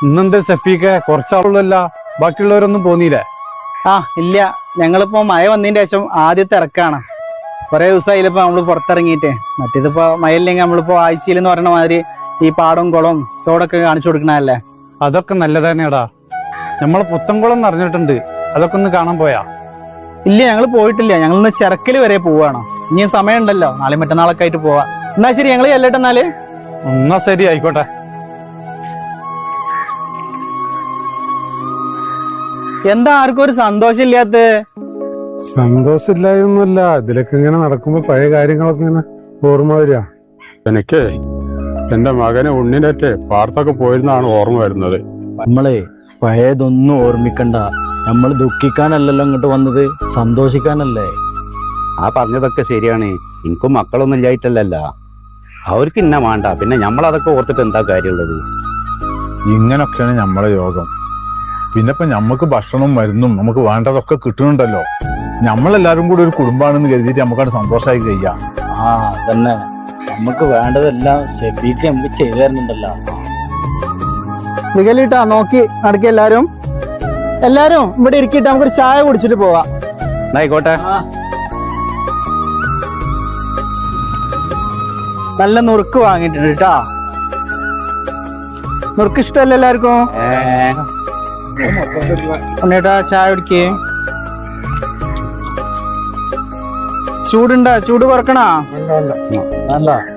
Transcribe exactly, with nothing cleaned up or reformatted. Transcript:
ഇന്നെന്താ സഫീഖെ കുറച്ചാളുള്ളല്ല, ബാക്കിയുള്ളവരൊന്നും പോന്നീല്ലേ? ആ ഇല്ല, ഞങ്ങളിപ്പോ മഴ വന്നതിന്റെ ശേഷം ആദ്യത്തെ ഇറക്കാണ്. കുറെ ദിവസമായില്ലപ്പോ നമ്മള് പുറത്തിറങ്ങിയിട്ട്. മറ്റേതിപ്പോ മഴ ഇല്ലെങ്കിൽ നമ്മളിപ്പോ ആഴ്ചയിൽ എന്ന് പറയുന്ന മാതിരി ഈ പാടവും കുളവും തോടൊക്കെ കാണിച്ചു കൊടുക്കണല്ലേ. അതൊക്കെ നല്ലത് തന്നെയാടാ. നമ്മളെ പുത്തൻകുളം നിറഞ്ഞിട്ടുണ്ട്, അതൊക്കെ ഒന്ന് കാണാൻ പോയാ? ഇല്ല, ഞങ്ങൾ പോയിട്ടില്ല. ഞങ്ങളിന്ന് ചിറക്കല് വരെ പോവാണ്. ഇനി സമയം ഉണ്ടല്ലോ, നാളെ മറ്റന്നാളൊക്കെ ആയിട്ട് പോവാ. എന്നാ ശരി, ഞങ്ങൾ ചെല്ലട്ടെന്നാല്. എന്നാ ശരി, ആയിക്കോട്ടെ. എന്താ ആർക്കും ഒരു സന്തോഷം ഇല്ലാത്ത? സന്തോഷമില്ലായൊന്നുമല്ല, ഇതിലൊക്കെ ഇങ്ങനെ നടക്കുമ്പോ പഴയ കാര്യങ്ങളൊക്കെ ഇങ്ങനെ ഓർമ്മ വരിക. എനിക്ക് എന്റെ മകനെ ഉണ്ണിനേറ്റ് പാടത്തൊക്കെ പോയിരുന്നാണ് ഓർമ്മ വരുന്നത്. നമ്മളെ പഴയതൊന്നും ഓർമ്മിക്കണ്ട. നമ്മൾ ദുഃഖിക്കാനല്ലല്ലോ ഇങ്ങോട്ട് വന്നത്, സന്തോഷിക്കാനല്ലേ. ആ പറഞ്ഞതൊക്കെ ശരിയാണ്. എനിക്കും മക്കളൊന്നും ഇല്ലായിട്ടല്ലല്ല, അവർക്ക് ഇന്ന വേണ്ട. പിന്നെ നമ്മളതൊക്കെ ഓർത്തിട്ട് എന്താ കാര്യമുള്ളത്? ഇങ്ങനൊക്കെയാണ് നമ്മളെ യോഗം. പിന്നെ ഇപ്പൊ നമ്മക്ക് ഭക്ഷണവും മരുന്നും നമുക്ക് വേണ്ടതൊക്കെ കിട്ടുന്നുണ്ടല്ലോ. നമ്മളെല്ലാരും കൂടി ഒരു കുടുംബാണെന്ന് കരുതിയിട്ട് നമുക്കവിടെ സന്തോഷമായി കഴിയാം. ആ അതന്നെ, നമുക്ക് വേണ്ടതെല്ലാം ഷെഫീക്ക് നമുക്ക് ചെയ്തു തരുന്നുണ്ടല്ലോ. നികലിട്ടാ നോക്കി നടക്കി. എല്ലാരും എല്ലാരും ഇവിടെ ഇരിക്കിട്ട് നമുക്കൊരു ചായ കുടിച്ചിട്ട് പോവാം. ആയിക്കോട്ടെ. നല്ല നുറുക്ക് വാങ്ങിയിട്ടുണ്ട് കേട്ടാ. നുറുക്ക് ഇഷ്ടമല്ല എല്ലാവർക്കും? ഉണ്ണേട്ടാ ചായ കുടിക്കേ. ചൂടുണ്ടാ? ചൂട് കുറക്കണാ? വേണ്ട